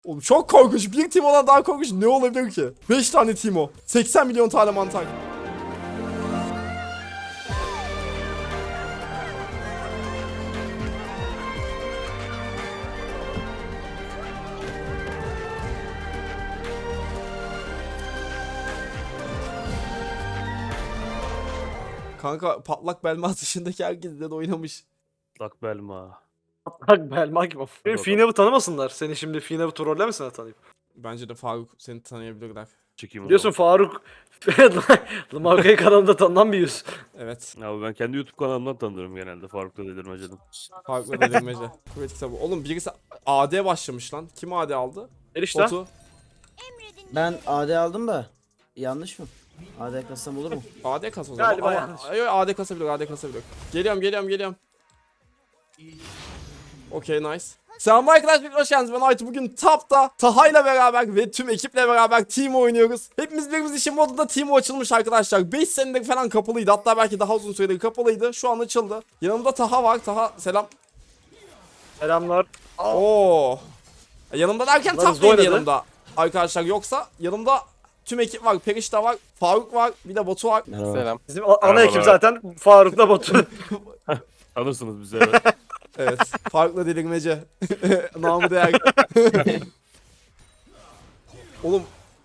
Oğlum çok korkunç. Bir Teemo'dan daha korkunç ne olabilir ki? 5 tane Teemo. 80 milyon tane mantar. Kanka patlak Belma dışındaki herkes de oynamış. Lak Belma. Bak Belma gibi. Benim Bakalım. Finav'ı tanımasınlar. Seni şimdi Finav'ı trollemesinler tanıyıp. Bence de Faruk seni tanıyabilirler. Çekeyim o Biliyorsun zaman. Faruk Lamarka'yı kanalında tanınan bir yüz. Evet. Abi ben kendi YouTube kanalımdan tanıyorum genelde. Faruk'ta delirmecedim. Faruk'la delirmece. Kuvvet kitabı. Oğlum birisi AD başlamış lan. Kim AD aldı? Erişte. Batu. Ben AD aldım da yanlış mı? AD kassam olur mu? AD kas o zaman. Galiba Ama- yanlış. Ay, AD kasabilir, AD kasabilir. Geliyorum. Okey, nice. Selam arkadaşlar, hoş geldiniz. Ben Aytu. Bugün Tap'ta Taha'yla beraber ve tüm ekiple beraber team oynuyoruz. Hepimiz birimiz için modunda team açılmış arkadaşlar. 5 senedir falan kapalıydı. Hatta belki daha uzun süredir kapalıydı. Şu an açıldı. Yanımda Taha var. Taha selam. Selamlar. Oo. Yanımda derken Bunlar Tap hızlı neydi oynadı. yanımda arkadaşlar, yoksa yanımda tüm ekip var. Perişta var, Faruk var, bir de Batu var. Merhaba. Selam. Bizim ana Merhabalar. ekip zaten Faruk'la Batu. Tanırsınız bizi evet. Evet. Faruk'la delirmece. Namı değer. Oğlum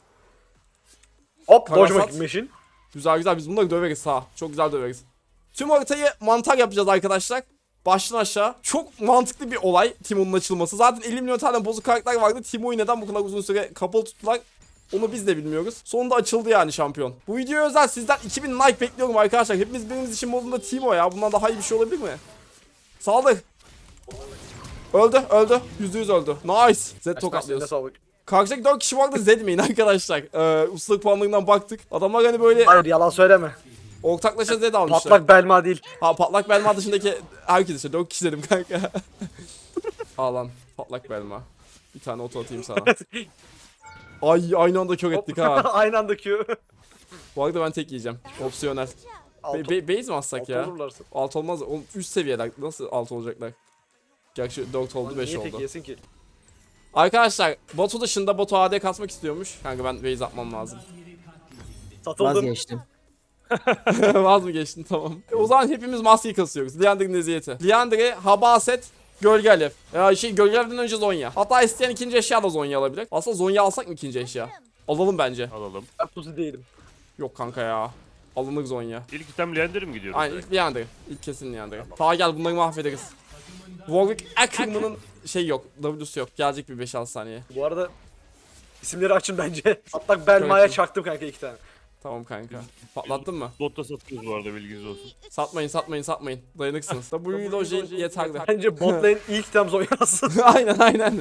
Hop Karasat. Dodge Machine. güzel biz bunları döveriz ha. Çok güzel döveriz. Tüm haritayı mantar yapacağız arkadaşlar. Baştan aşağı. Çok mantıklı bir olay Timo'nun açılması. Zaten 50 milyon tane bozuk karakter vardı. Timo'yu neden bu kadar uzun süre kapalı tuttular? Onu biz de bilmiyoruz. Sonunda açıldı yani şampiyon. Bu videoya özel sizden 2000 like bekliyorum arkadaşlar. Hepimiz birimiz için modunda Timo ya. Bundan daha iyi bir şey olabilir mi? Saldır. Öldü. %100 öldü. Nice. Z Eline tokatlıyoruz. sağlık. Karşıdaki 4 kişi vardı, Zedmeyin arkadaşlar. Ustalık puanlarından baktık. Adamlar hani böyle Hayır yalan söyleme. ortaklaşa Zed almışlar. Patlak Belma değil. Ha, patlak Belma dışındaki herkes işte 4 kişi dedim kanka. Al lan patlak Belma. Bir tane oto atayım sana. Ay aynı anda kör ettik ha. Aynı anda Q. Bu arada ben tek yiyeceğim. Opsiyonel. Base mi atsak ya? Olurlarsa. Alt olmaz. Oğlum üst seviyeler. Nasıl alt olacaklar? Gerçi 4 oldu 5 Niye tek oldu. yesin ki? Arkadaşlar Batu dışında Batu AD kasmak istiyormuş. Kanka ben base atmam lazım. Satıldım. Vazgeçtim. Vaz mı geçtin, tamam. O zaman hepimiz maskeyi kasıyoruz. Liander'ın eziyeti. Liander'e Habaset, Gölge Alev. Ya Gölge Alev'den önce Zonya. Hatta isteyen ikinci eşya da Zonya alabilir. Aslında Zonya alsak mı ikinci eşya? Alalım bence. Alalım. Ben pusu değilim. Yok kanka ya. Alınır Zonya. İlk item Leander mi gidiyoruz? Aynen ilk Liander. İlk kesin Liander. Ta gel bunları mahvederiz. Warwick Ackerman'ın şey yok. W'su yok. Gelecek bir 5-6 saniye. Bu arada isimleri açın bence. Patlak Belma'ya Evet. çaktım kanka 2 tane. Tamam kanka. Patlattın mı? Botta satıyoruz bu arada bilginiz olsun. Satmayın. Dayanıksınız. W Loji yeterli. Bence bot lane ilk tem Zonya'sı. aynen.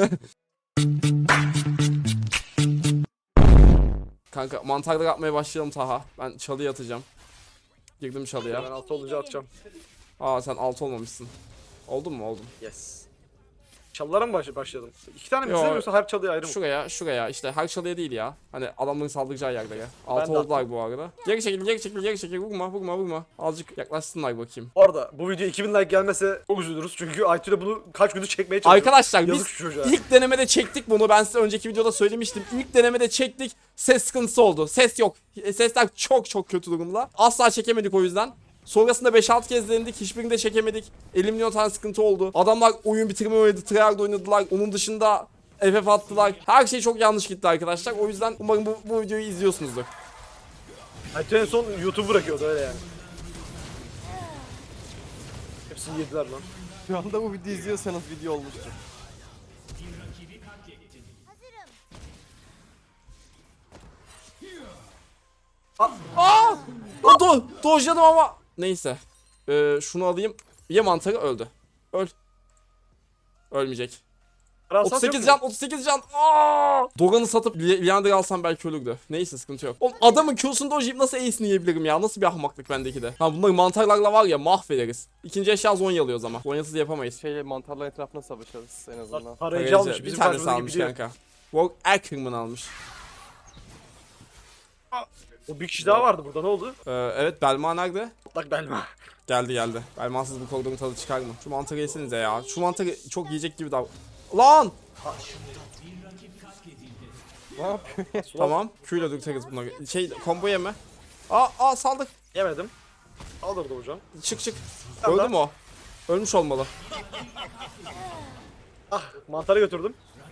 Kanka mantarları atmaya başlayalım Taha. Ben çalıya atacağım. Girdim çalıya. Ben altı olunca atacağım. Aa sen alt olmamışsın. Oldun mu? Oldum. Yes. Çalılara mı başladım? 2 tane mi Yo. izlemiyorsa her çalıya ayrı mı? Şuraya işte her çalıya değil ya. Hani adamların saldıracağı yerlere. Altı de oldular bu arada. Geri çekil. Vurma. Azıcık yaklaşsınlar bakayım. Bu arada bu video 2000 like gelmese çok üzülürüz çünkü Aytu'yla bunu kaç gündür çekmeye çalışıyoruz. Arkadaşlar Yazık biz şu çocuğa. ilk denemede çektik bunu. Ben size önceki videoda söylemiştim. İlk denemede çektik. Ses sıkıntısı oldu. Ses yok. Sesler çok kötü durumda. Asla çekemedik o yüzden. Sonrasında 5-6 kez denedik. Hiçbirini de çekemedik. 50 milyon tane sıkıntı oldu. Adamlar oyun bitirme oynadı. Tryhard oynadılar. Onun dışında FF attılar. Her şey çok yanlış gitti arkadaşlar. O yüzden umarım bu videoyu izliyorsunuzdur. Aytu en son YouTube bırakıyordu öyle yani. Hepsini yediler lan. Şu anda bu videoyu izliyorsanız video olmuştur. Dojladım ama. Neyse. Şunu alayım. Ye mantarı, öldü. Ölmeyecek. Karasat 38 yok mu? can, 38 can. Dogan'ı satıp Liander'ı alsam belki ölürdü. Neyse sıkıntı yok. Oğlum adamın Q'sunu dojlayıp nasıl ace'ini yiyebilirim ya? Nasıl bir ahmaklık bendeki de. Ha bunları mantarlarla var ya mahvederiz. İkinci eşya Zonya alıyoruz ama. Zonyasız yapamayız. Mantarların etrafına savaşırız en azından. Parayıcı almış. Bir Bizim tanesi karşımızdaki almış biliyor. kanka. Warwick Ackerman almış. O bir kişi daha vardı burada ne oldu? Evet Belma nerede? Patlak Belma. Geldi. Belmasız bu koridorun tadı çıkar mı? Şu mantarı yesenize ya. Şu mantarı çok yiyecek gibi dav... Lan! Ne yapıyor? Tamam. Q'yla dürteriz bunları. Şey combo yeme. Aa saldık. Yemedim. Alırdı hocam. Çık. Tamam. Öldü mü o? Ölmüş olmalı. Ah mantarı götürdüm.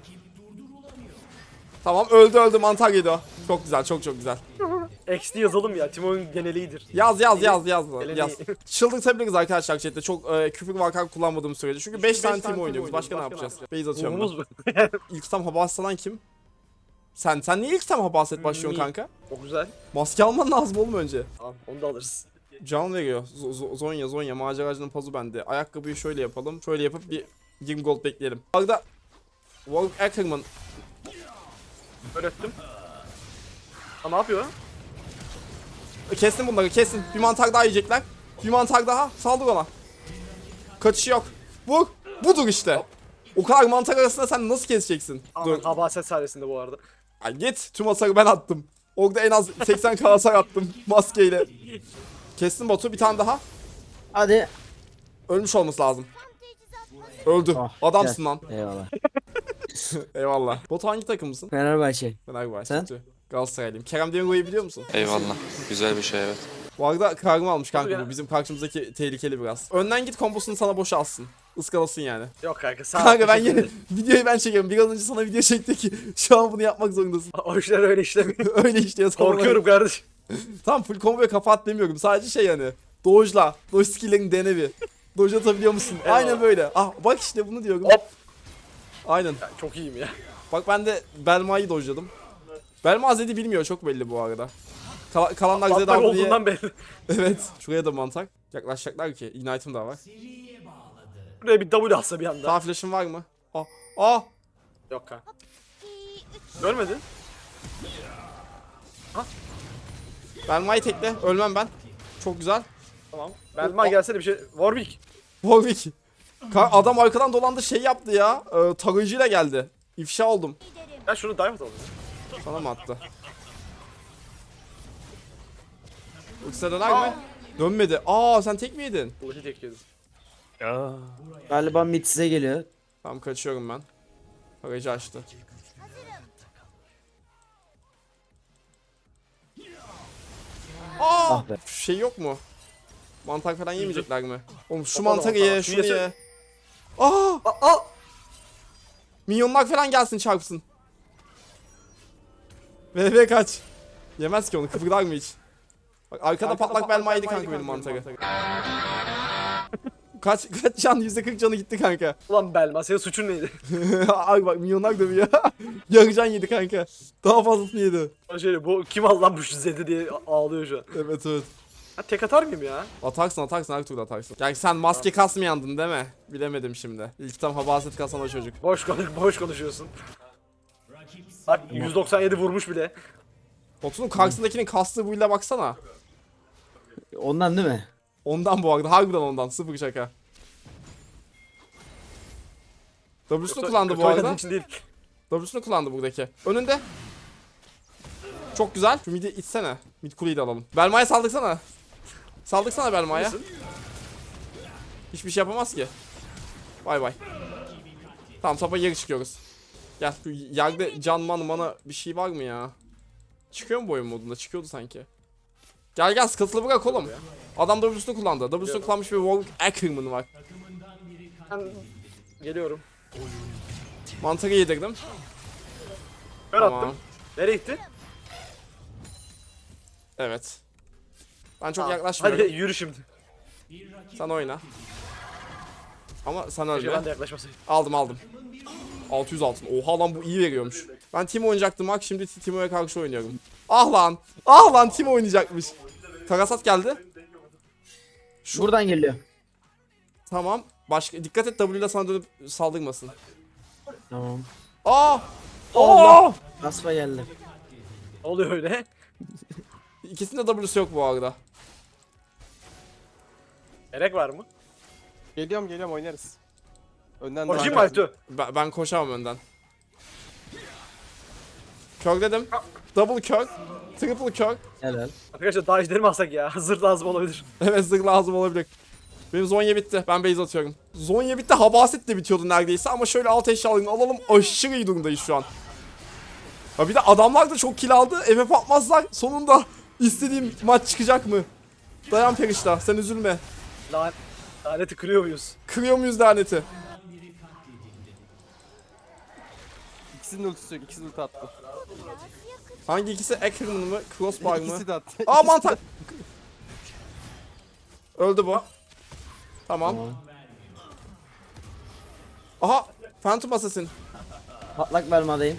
Tamam öldü mantar yedi o. Çok güzel çok güzel. XD yazalım ya. Timo'nun geneliğidir. Yaz. Eleni. Çıldırtabiliriz arkadaşlar chatte. Çok küfür vakar kullanmadığım sürece. Çünkü 5 tane team oynuyoruz. Başka ne yapacağız? Base atıyorum Umumuz ben. bu. İlk tam hava aslanan kim? Sen niye ilk tam hava aslet başlıyorsun kanka? Çok güzel. Maske alman lazım oğlum önce. Tamam onu da alırız. Can veriyor. Zonya maceracının pazı bende. Ayakkabıyı şöyle yapalım. Şöyle yapıp bir 20 gold bekleyelim. Arada Warwick Ackerman Öğrettim. Ha ne yapıyor? kestin bunları kesin. Bir mantar daha yiyecekler. Bir mantar daha. Saldır ona. Kaçışı yok. Vur. Budur işte. O kadar mantar arasında sen nasıl keseceksin? Dur. Habaset sayesinde bu arada. Ay git. Tüm hasarı ben attım. Orada en az 80 k hasar attım maskeyle. Kestin botu bir tane daha. Hadi. Ölmüş olması lazım. Öldü. Ah, Adamsın gel. lan. Eyvallah. Eyvallah. Bot hangi takımısın? Fenerbahçe. Fenerbahçe. Sen? Galatasaraylıyım. Kerem Demirbay'ı biliyor musun? Eyvallah. Güzel bir şey evet. Bu arada kargımı almış kanka Nasıl bu. Bizim karşımızdaki tehlikeli biraz. Önden git kombosunu sana boşa alsın. Iskalasın yani. Yok kanka sağ ol. Kanka ben teşekkür yine ederim. videoyu ben çekiyorum. Biraz önce sana video çekti ki şu an bunu yapmak zorundasın. O işler öyle işlemiyor. Öyle işte sana. Korkuyorum kardeşim. Tamam full combo'ya kafa at demiyorum. Sadece şey yani. Dodge'la. Dodge skill'lerini dene bir. Dodge atabiliyor musun? Eyvallah. Aynen böyle. Ah bak işte bunu diyorum. Hop. Aynen. Ya, çok iyiyim ya. Bak ben de Belma'yı dodge'ladım. Belma Zed'i bilmiyor çok belli bu arada. Kalanlar Zed Patlar aldı diye. olduğundan belli. Evet. Şuraya da mantak. Yaklaşacaklar ki. Ignite'ım da var. Buraya bir W atsa bir anda. Sağ flash'ın var mı? Ah. Yok kanka. Görmedin? Belma'yı tekle. Ölmem ben. Çok güzel. Tamam. Belma gelsene bir şey. Warwick. Warwick. Adam arkadan dolandı şey yaptı ya. Tarayıcıyla geldi. İfşa oldum. Ya şunu diamond alalım. Sana mı attı? Ultisi döner mi? Dönmedi. Sen tek mi yedin? Ulti tek yedim. Ya. Galiba mid size geliyor. Tamam kaçıyorum ben. Tarayıcı açtı. Ah be. Şey yok mu? Mantar falan yemeyecekler mi? Oğlum şu Kapalı mantarı mantar. ye, Şu şunu yese- ye. Aa! Minyonlar falan gelsin çarpsın. VV kaç. Yemez ki onu kıpırdar mı hiç? Bak arkada patlak belma yedi kanka benim mantarı. kaç can? %40 canı gitti kanka. Ulan Belma senin suçun neydi? Ay bak minyonlar dövüyor. Yarı can yedi kanka. Daha fazlasını yedi. Şöyle bu kim al lan bu şu Zed'i diye ağlıyor şu an. Evet. Ha tek atar mıyım ya? Atarsın her türlü atarsın. Yani sen maske kasmayandın değil mi? Bilemedim şimdi. İlk tam habaset kasan o çocuk. Boş konuşuyorsun. Bak 197 vurmuş bile. Botun karşısındakinin kastığı buyla baksana. Ondan değil mi? Ondan bu arada harbiden ondan sıfır şaka. W'sunu kullandı Kötü bu oynadığın arada. için değil. W'sunu kullandı buradaki. Önünde. Çok güzel. Şu midi itsene. Mid kuleyi de alalım. Belma'ya saldıksana. Saldıksana Belma'ya. Nasıl? Hiçbir şey yapamaz ki. Bay bay. Tamam topa geri çıkıyoruz. Gel şu yerde can mana bir şey var mı ya? Çıkıyor mu bu oyun modunda? Çıkıyordu sanki. Gel skatılı bırak oğlum. Adam W'sunu kullandı. W'sunu kullanmış bir Warwick Ackerman var. Ben geliyorum. Mantarı yedirdim. Kör Tamam. attım. Nereye gitti? Evet. Ben çok Hadi yaklaşmıyorum. yürü şimdi. Sen oyna. Ama sen Keşke ölme. ben de yaklaşmasaydım. Aldım. 600 altın. Oha lan bu iyi veriyormuş. Ben Timo oynayacaktım bak şimdi Timo'ya karşı oynuyorum. Ah lan Timo oynayacakmış. Karasat geldi. Buradan geliyor. Tamam. Başka dikkat et W'de sana dönüp saldırmasın. Tamam. Allah! Asfa geldi. Ne oluyor öyle? İkisinde W'su yok bu arada. Gerek var mı? Geliyorum oynarız. Önden Koşayım mı devam. Altu? Ben koşamam önden. Kör dedim. Double kör. Triple kör. Helal. Arkadaşlar daha ejderimi alsak ya. Zırh lazım olabilir. Evet zırh lazım olabilir. Benim Zonya bitti. Ben base atıyorum. Zonya bitti. Habaset de bitiyordu neredeyse ama şöyle alt eşyalarını alalım. Aşırı iyi durumdayız şu an. Ha bir de adamlar da çok kill aldı. FF atmazlar. Sonunda istediğim maç çıkacak mı? Dayan Perişta, sen üzülme. Laneti kırıyor muyuz? Kırıyor muyuz laneti? İkisinin ultisi yok. İkisi ulti attı. Hangi ikisi? Ackerman mı? Crossbar mı? İkisi de attı. Aa İkisi de- mantar. Öldü bu. Tamam. Aha, Phantom Assassin. Patlak Belma'dayım.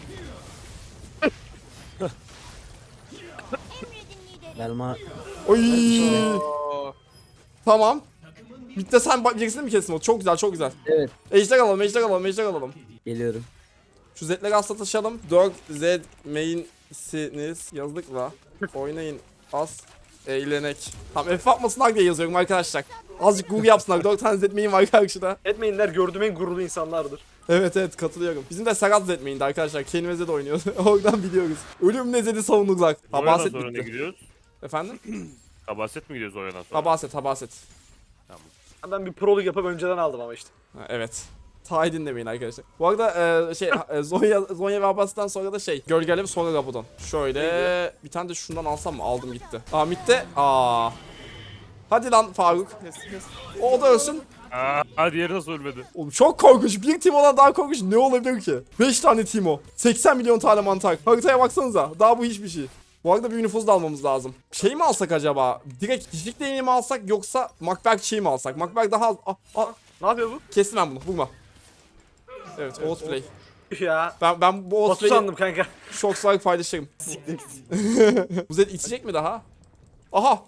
Belma. Oy. Oo. Tamam. Bitti sen birisini mi kestin o? Çok güzel, çok güzel. Evet. Ejder alalım, ejder alalım, ejder alalım. Geliyorum. Şu Z'leri asla taşıyalım. 4Z main'siniz. Yazdık la. Oynayın. Az. Eğlenek. Tamam F atmasınlar diye yazıyorum arkadaşlar. Azıcık Google yapsınlar. 4 tane Z main var karşıda. Etmeyinler gördüğüm en gururlu insanlardır. Evet evet katılıyorum. Bizim de Serhat Z main'di arkadaşlar. Kane ve Z oynuyordu. Oradan biliyoruz. Ölümle Z'di savunurlar. Oyundan Habaset sonra ne bitti. gidiyoruz? Efendim? Kabaset mi gidiyoruz oyundan sonra? Habaset, habaset. Ben bir prolog yapıp önceden aldım ama işte. Ha, evet. Ta dinlemeyin arkadaşlar. Bu arada Zonya ve Abbas'tan sonra da Gölgelev sonra Rabudon. Şöyle bir tane de şundan alsam mı? Aldım gitti. Aa mitte. Aa. Hadi lan Faruk. O da ölsün. Aa, diğeri nasıl ölmedi? Oğlum çok korkunç. Bir Timo'dan daha korkunç ne olabilir ki? 5 tane Timo. 80 milyon tane mantar. Haritaya baksanıza. Daha bu hiçbir şey. Bu arada bir nüfuz da almamız lazım. Şey mi alsak acaba? Direkt kişilik deneyimi mi alsak yoksa Macbeth şey mi alsak? Macbeth daha az... Ne yapıyor bu? Kestim ben bunu. Vurma. Evet, outplay. Ya. Ben bu Batu outplay'i sandım kanka. şok olarak paylaşırım. Bu Zed içecek mi daha? Aha!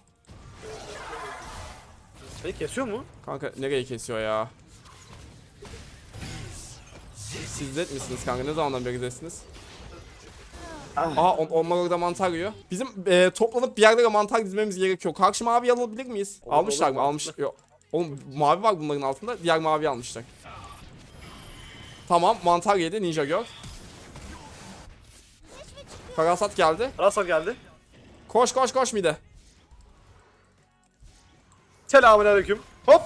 Beni kesiyor mu? Kanka nereye kesiyor ya? Siz Zed misiniz kanka? Ne zamandan beri Zed'siniz? Aha onlar orada mantar yiyor. Bizim toplanıp bir yerlere mantar dizmemiz gerekiyor. Karşı mavi alabilir miyiz? Olur, Almışlar olur, mı? Almış. Yok. Oğlum mavi var bunların altında. Diğer mavi almışlar. Tamam mantar yedi Ninja Girl. Karasat geldi. Rasal geldi. Koş koş koş mide. Selamünaleyküm. Hop.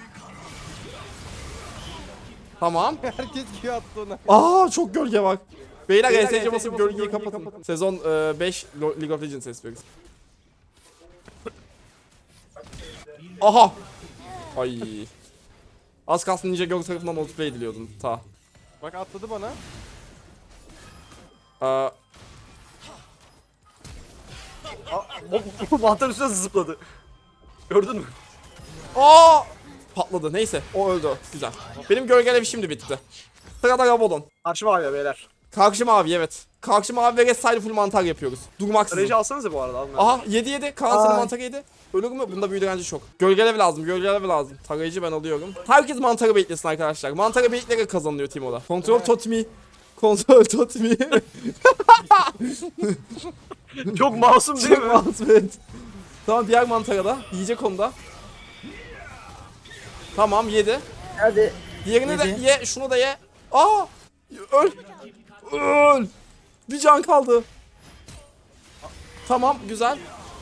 Tamam. Herkes Q attı ona. Aa çok gölge var. Beyler Beyler, ESC ESC basıp basıp gölgeyi gölgeyi kapatın. Sezon 5 League of Legends espriyiz. Aha. Ay. Az kalsın Ninja Girl tarafından multiplay ediliyordun ta. Bak atladı bana. Mantar üstüne zıpladı. Gördün mü? Aa! Patladı. Neyse. O öldü. Güzel. Benim gölgelev şimdi bitti. Sırada Rabodon. Karşı mavi ya beyler. Karşı mavi evet. Karşı mavi ve Red Side full mantar yapıyoruz. Durmaksızın. Reji alsanıza bu arada. Alın. Aha yedi. Kaan senin Ay. mantarı yedi. Ölür mü? Bunda büyü direnci çok. Gölgelev lazım. Gölgelev lazım. Tarayıcı ben alıyorum. Herkes mantarı beklesin arkadaşlar. Mantarı bekleyerek kazanılıyor Timo'da. Kontrol totemi. Kontrol totemi. Çok masum değil Çok mi? masum evet. Tamam diğer mantara da. Yiyecek onu da. Tamam yedi. Hadi. Diğerini de Yedi. ye. Şunu da ye. Aa! Öl. Öl. Bir can kaldı. Tamam güzel.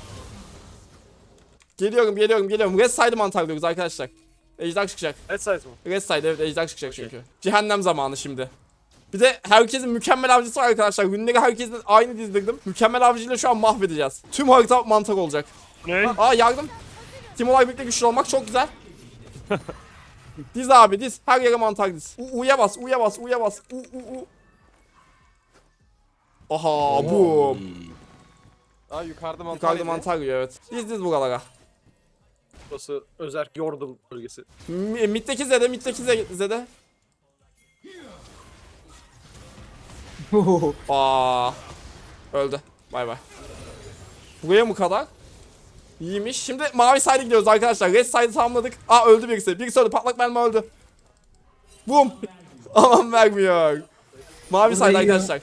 Geliyorum. Red Side mantar diyoruz arkadaşlar. Ejder çıkacak. Evet size mi? Red Side evet ejder çıkacak çünkü. Cehennem zamanı şimdi. Bir de herkesin mükemmel avcısı var arkadaşlar. Günleri herkesin aynı dizdirdim. Mükemmel avcıyla şu an mahvedeceğiz. Tüm harita mantar olacak. Ne? Aa yardım. Timo'lar birlikte güçlü olmak çok güzel. Diz abi diz. Her yere mantar diz. U'ya bas. U. Aha bu. Aa yukarıda mantar. Yukarıda yedi. mantar yiyor evet. Diz buralara. Burası Özerk Yordle bölgesi. Mid'deki Z'de. Aa. Öldü. Bay bay. Buraya mı kadar? İyiymiş. Şimdi mavi side'e gidiyoruz arkadaşlar. Red side'ı tamamladık. Aa öldü birisi. Birisi öldü. Patlak mermi öldü. Boom. Aman vermiyor. Mavi side yiyor. arkadaşlar.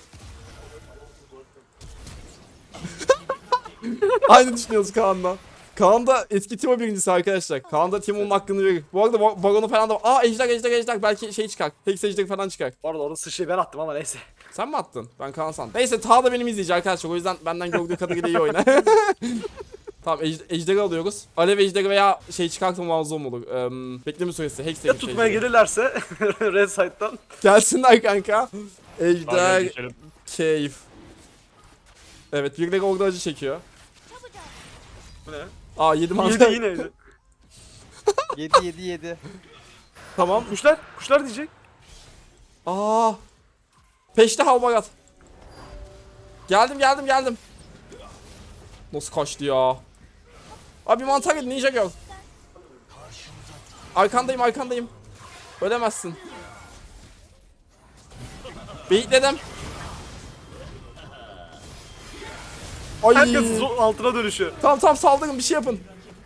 Aynı düşünüyoruz Kaan'la. Kaan da eski Timo birincisi arkadaşlar. Kaan da Timo'nun hakkını verir. Bu arada Baron'u falan da... Aa ejder. Belki şey çıkar. Hex ejderi falan çıkar. Bu arada orada sıçrayı ben attım ama neyse. Sen mi attın? Ben Kaan sandım. Neyse Ta da benim izleyici arkadaşlar. O yüzden benden gördüğü kadarıyla iyi oyna. Tamam ejderi alıyoruz. Alev ejderi veya şey çıkartmamız olur. Bekleme süresi. Hex Ya ejderi. tutmaya gelirlerse Red Side'dan. Gelsinler kanka. Hadi Ejder geçelim. keyif. Evet birileri orada acı çekiyor. Bu ne? Aa 7 Yedi mantar. yine yedi. 7. Tamam. Kuşlar diyecek. Aa. Peşte halbagat. Geldim. Nasıl kaçtı ya? Abi mantar yedi Ninja Girl. Arkandayım. Ölemezsin. Beyitledim. Ay. Herkes altına dönüşüyor. Tamam saldırın bir şey yapın.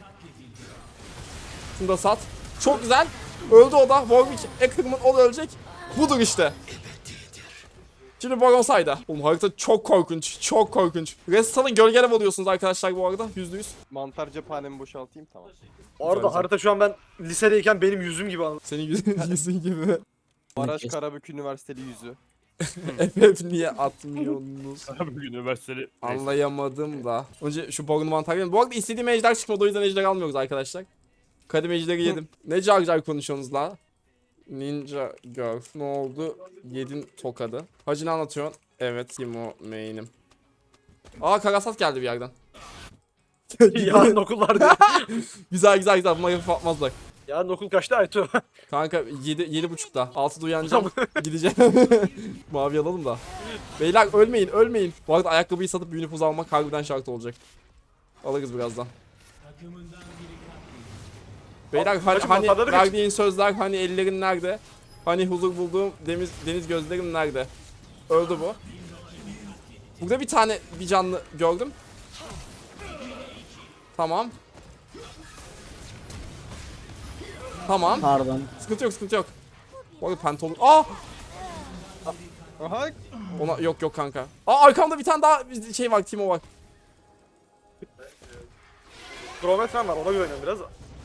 Şunu da sat. Çok güzel. Öldü o da. Warwick Ackerman o da ölecek. Budur işte. Şimdi Baron sayda. Oğlum harita çok korkunç. Restal'ın gölgelev alıyorsunuz arkadaşlar bu arada. %100. Mantar cephanemi boşaltayım tamam. Orada harita şu an ben lisedeyken benim yüzüm gibi anladım. Senin yüzün gibi. Maraş Karabük Üniversiteli yüzü. FF niye atmıyorsunuz? Abi üniversiteli. Anlayamadım da. Önce şu Baron'u mantar. Bu arada istediğim ejder çıkmadı o yüzden ejder almıyoruz arkadaşlar. Kadim ejderi yedim. Ne car konuşuyorsunuz la? Ninja Girl. Ne oldu? Yedin tokadı. Hacı ne anlatıyorsun? Evet Timo main'im. Aa Karasat geldi bir yerden. Yarın okullar diye. Güzel. Bunları hafif atmazlar. Yarın okul kaçta Aytu? Kanka 7.30'da. 6'da uyanacağım. Gideceğim. Mavi alalım da. Beyler ölmeyin. Bu arada ayakkabıyı satıp bir nüfuz almak harbiden şart olacak. Alırız birazdan. Beyler hani mantarları verdiğin sözler hani ellerin nerede? Hani huzur bulduğum deniz gözlerim nerede? Öldü bu. Burada bir canlı gördüm. Tamam. Pardon. Sıkıntı yok. Bu arada pantolon. Aa! Aha. Ona yok kanka. Aa arkamda bir tane daha şey var, Timo var. Kronometrem var, ona güveniyorum biraz da.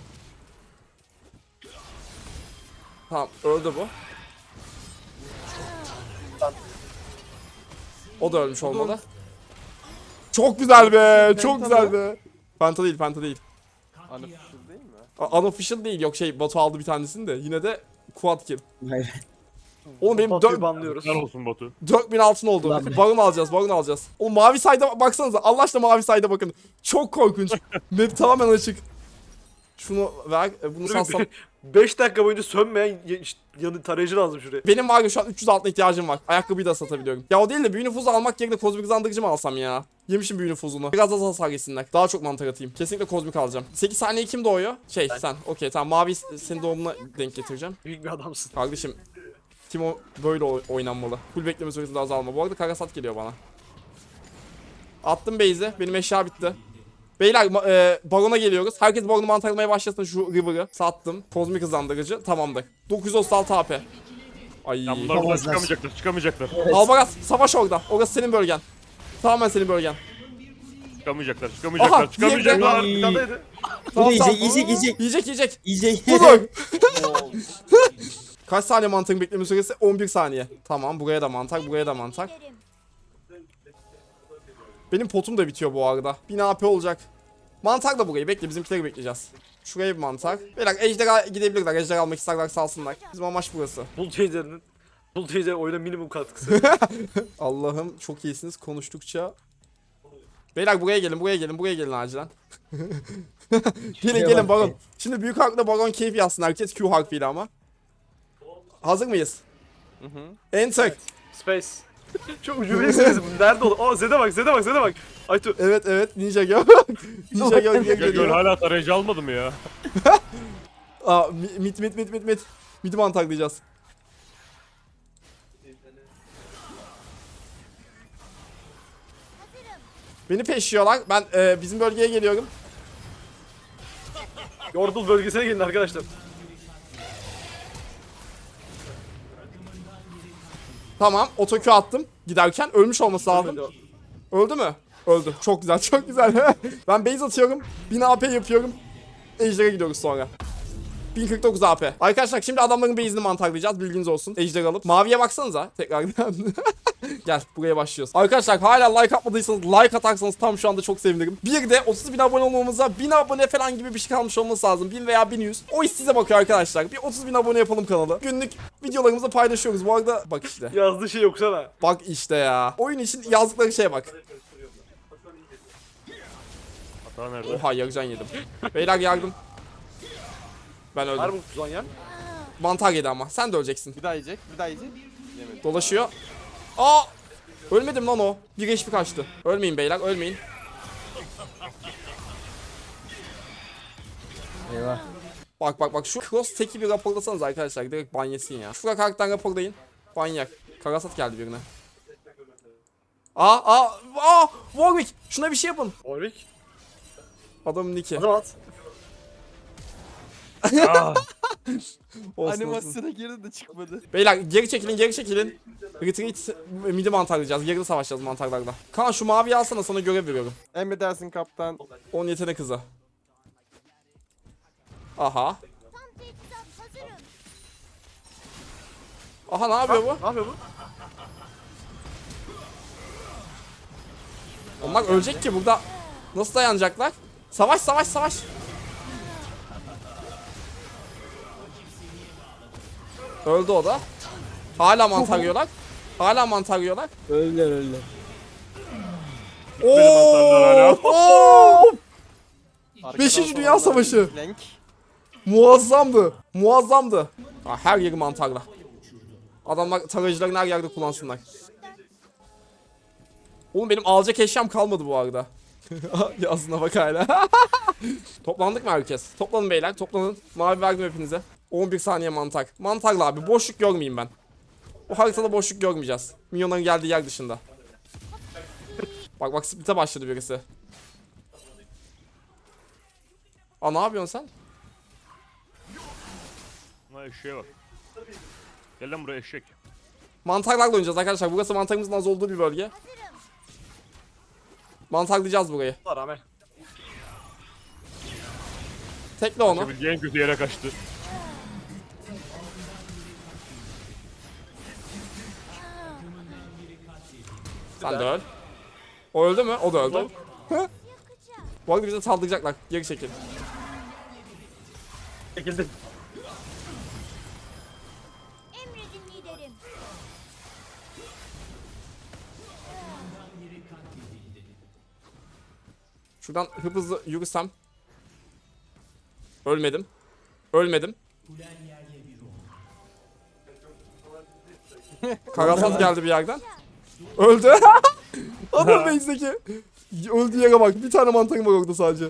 Tamam öldü bu. O da ölmüş olmalı. Çok güzel be, çok güzel be. Penta değil. Unofficial değil mi? Unofficial değil, yok Batu aldı bir tanesini de yine de quad kill. Hayır. Oğlum benim Batu'yu banlıyoruz. Helal olsun Batu. 4000 altın oldu. Ulan be. Baron alacağız. Oğlum mavi sayda baksanıza. Allah aşkına mavi sayda bakın. Çok korkunç. Map tamamen açık. Şunu ver. Bunu satsam. 5 dakika boyunca sönmeyen yanı tarayıcı lazım şuraya. Benim var ya şu an 300 altına ihtiyacım var. Ayakkabıyı da satabiliyorum. Ya o değil de büyü nüfuzu almak yerine kozmik hızlandırıcı mı alsam ya? Yemişim büyü nüfuzunu. Biraz az hasar yesinler. Daha çok mantar atayım. Kesinlikle kozmik alacağım. 8 saniye kim doğuyor? Sen. Okey tamam, mavi senin doğumuna denk getireceğim. Büyük bir adamsın. Kardeşim. Timo böyle oynanmalı. Full bekleme süresinde azalma. Bu arada Karasat geliyor bana. Attım base'i. Benim eşya bitti. Beyler Baron'a geliyoruz. Herkes Baron'u mantarlamaya başlasın, şu River'ı. Sattım. Kozmik hızlandırıcı. Tamamdır. 936 AP. Ay. Ya bunlar buradan Yapamazlar. çıkamayacaklar. Albaraz savaş orada. Orası senin bölgen. Tamamen senin bölgen. Çıkamayacaklar. Aha, Çıkamayacaklar. Bir tane yedi. Bu da Tamam. yiyecek. Yiyecek. Budur. Kaç saniye mantarın bekleme süresi? 11 saniye. Tamam, buraya da mantar. Benim potum da bitiyor bu arada. 1000 AP olacak. Mantar da burayı bekle, bizimkileri bekleyeceğiz. Şuraya bir mantar. Beyler ejderha gidebilirler. Ejderha almak isterler salsınlar. Bizim amaç burası. Bull oyuna minimum katkısı. Allah'ım çok iyisiniz konuştukça. Beyler buraya gelin acilen. gelin Baron. Şimdi büyük harfle Baron keyif yazsın herkes, Q harfiyle ama. Hazır mıyız? Enter. Space. Çok ucubeyesiniz. Nerede olur? Aa Zed'e bak. Aytu. Evet Ninja Girl. Ninja Girl diye Göl geliyor. hala tarayıcı almadı mı ya? Aa mit. Midi mantarlayacağız. Beni peşliyorlar. Ben bizim bölgeye geliyorum. Yordle bölgesine gelin arkadaşlar. Tamam, otokü attım. Giderken ölmüş olması lazım. Öldü mü? Öldü. Çok güzel. Ben base atıyorum. 1000 AP yapıyorum. Ejder'e gidiyoruz sonra. 1049 AP. Arkadaşlar şimdi adamların base'ini mantarlayacağız. Bilginiz olsun. Ejder alıp. Maviye baksanıza tekrardan. Gel buraya başlıyoruz. Arkadaşlar hala like atmadıysanız like atarsanız tam şu anda çok sevinirim. Bir de 30.000 abone olmamıza 1000 abone falan gibi bir şey kalmış olması lazım. 1000 veya 1100. O iş size bakıyor arkadaşlar. Bir 30.000 abone yapalım kanalı. Günlük videolarımızı paylaşıyoruz. Bu arada bak işte. Yazdığı şey okusana. Bak işte ya. Oyun için yazdıkları şeye bak. Daha nerede? Oha yarıcan yedim. Beyler yardım. Ben Var öldüm. mı Zonya? Mantar yedi ama. Sen de öleceksin. Bir daha yiyecek. Bir daha yiyecek. Yemedi. Dolaşıyor. Aa! Ölmedim lan o. Bir HP kaçtı. Ölmeyin beyler, ölmeyin. Eyvah. Bak bak bak şu cross teki bir raporlasanız arkadaşlar. Direkt ban yesin ya. Şuraya karakter raporlayın. Ban yak. Karasat geldi birine. Warwick! Şuna bir şey yapın. Warwick. Adamın O nicki. zaman at. Ah, Olsun, olsun. Animasyona girdi de çıkmadı. Beyler geri çekilin geri çekilin. Retreat midi mantarlayacağız. Geride savaşacağız mantarlarla. Kaan şu maviyi alsana, sana görev veriyorum. Emredersin kaptan. 10 yetenek hızı. Aha. Aha ne yapıyor bu? Ne yapıyor bu? Onlar ölecek ki burada. Nasıl dayanacaklar? Savaş savaş savaş. Öldü o da. Hala mantar yiyorlar. Hala mantar yiyorlar. Öldüler öldüler. mantarlar hala. Oo! Arkadan Beşinci Dünya solanlar Savaşı. flank. Muazzamdı. Muazzamdı. Ha, her yeri mantarla. Adamlar tarayıcılarını her yerde kullansınlar. Oğlum benim alacak eşyam kalmadı bu arada. Yazına bak hala. Toplandık mı herkes? Toplanın beyler, toplanın. Mavi verdim hepinize. 11 saniye mantar. Mantarla abi, boşluk görmeyeyim ben. Bu haritada boşluk görmeyeceğiz. Minyonların geldiği yer dışında. Bak bak, split'e başladı birisi. Aa ne yapıyorsun sen? Buna eşeğe bak. Gel lan buraya eşek. Mantarlarla oynayacağız arkadaşlar. Burası mantarımızın az olduğu bir bölge. Mantarlayacağız burayı. Allah rağmen. Tekle onu. Kaçabileceği en kötü yere kaçtı. Sen de öl. O öldü mü? O da öldü. Bu arada bize saldıracaklar. Geri çekil. Çekildi. Emredin liderim. Şuradan hızlı yürüsem. Ölmedim. Ölmedim. Karasat geldi bir yerden. Öldü. Adam base'deki. Öldüğü yere bak. Bir tane mantarım var orada sadece.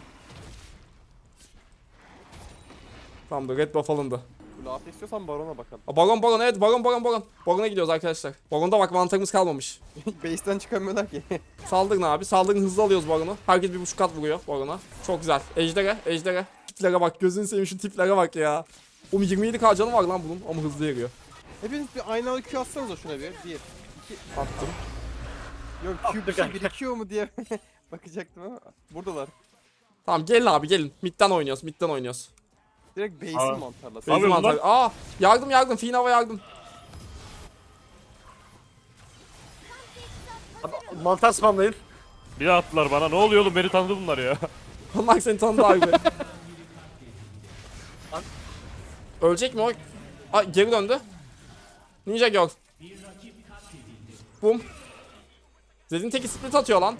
Tamamdır. Red buff alındı. Laf istiyorsan barona bakalım. Baron evet, baron. Baron'a gidiyoruz arkadaşlar. Baron'da bak mantarımız kalmamış. Base'ten çıkamıyorlar ki. Saldırın abi. Saldırın, hızlı alıyoruz Baron'u. Herkes 1.5 kat vuruyor Baron'a. Çok güzel. Ejder'e. Tiplere bak. Gözünü seveyim, şu tiplere bak ya. Oğlum 27k canı var lan bunun ama hızlı yeriyor. Hepiniz bir aynalı anda Q atsanıza şuna bir. 1, 2. Attım. Yok Q bir şey birikiyor mu diye bakacaktım ama. Buradalar. Tamam gelin abi gelin. Mid'den oynuyoruz. Direkt base'in Aa. mantarla. Abi, Benzin bunlar- mantar. Aa yardım. Finava yardım. Abi, mantar spamlayın. Bir daha attılar bana. Ne oluyor oğlum? Beni tanıdı bunlar ya. Allah seni tanıdı abi. Ölecek mi o? Aa geri döndü. Ninja Girl. Bum. Zed'in teki split atıyor lan.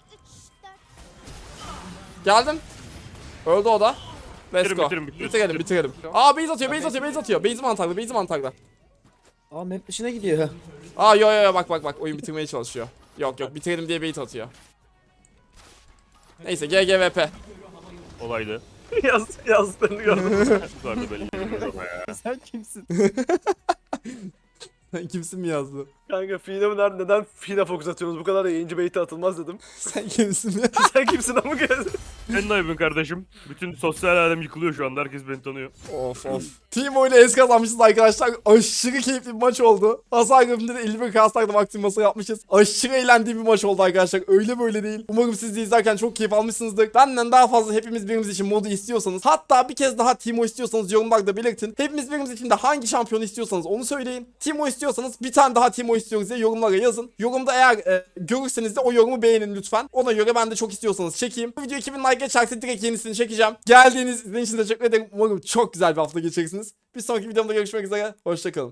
3, 4. Geldim. Öldü o da. Let's go. Bitirin. Aa base atıyor. Base mantarlı. Aa map dışına gidiyor. Aa yo bak oyun bitirmeye çalışıyor. Yok bitirelim diye bait atıyor. Neyse GGVP. Olaydı. Yazdıklarını gördüm. Bu kadar da belli değil ama ya. Sen kimsin? Sen kimsin mi yazdı? Kanka Fine'e neden Fine fokus atıyorsunuz? Bu kadar da yayıncı bait'e atılmaz dedim. Sen kimsin ya? Sen kimsin ama gel. Sen ne yapıyorsun kardeşim? Bütün sosyal alem yıkılıyor şu anda. Herkes beni tanıyor. Of. Team ile es kazanmışız arkadaşlar. Aşırı keyifli bir maç oldu. Hasar grafinde de 51 kastakla maksimması yapmışız. Aşırı eğlendiğim bir maç oldu arkadaşlar. Öyle böyle değil. Umarım siz de izlerken çok keyif almışsınızdır. Benden daha fazla hepimiz birimiz için modu istiyorsanız, hatta bir kez daha Teemo istiyorsanız yorumlarda belirtin. Hepimiz birimiz için de hangi şampiyonu istiyorsanız onu söyleyin. Teemo istiyorsanız bir tane daha Teemo istiyoruz diye yorumlara yazın. Yorumda eğer görürseniz de o yorumu beğenin lütfen. Ona göre ben de çok istiyorsanız çekeyim. Bu video 2000 like geçerse direkt yenisini çekeceğim. Geldiğiniz için teşekkür ederim. Umarım çok güzel bir hafta geçirirsiniz. Bir sonraki videomda görüşmek üzere. Hoşçakalın.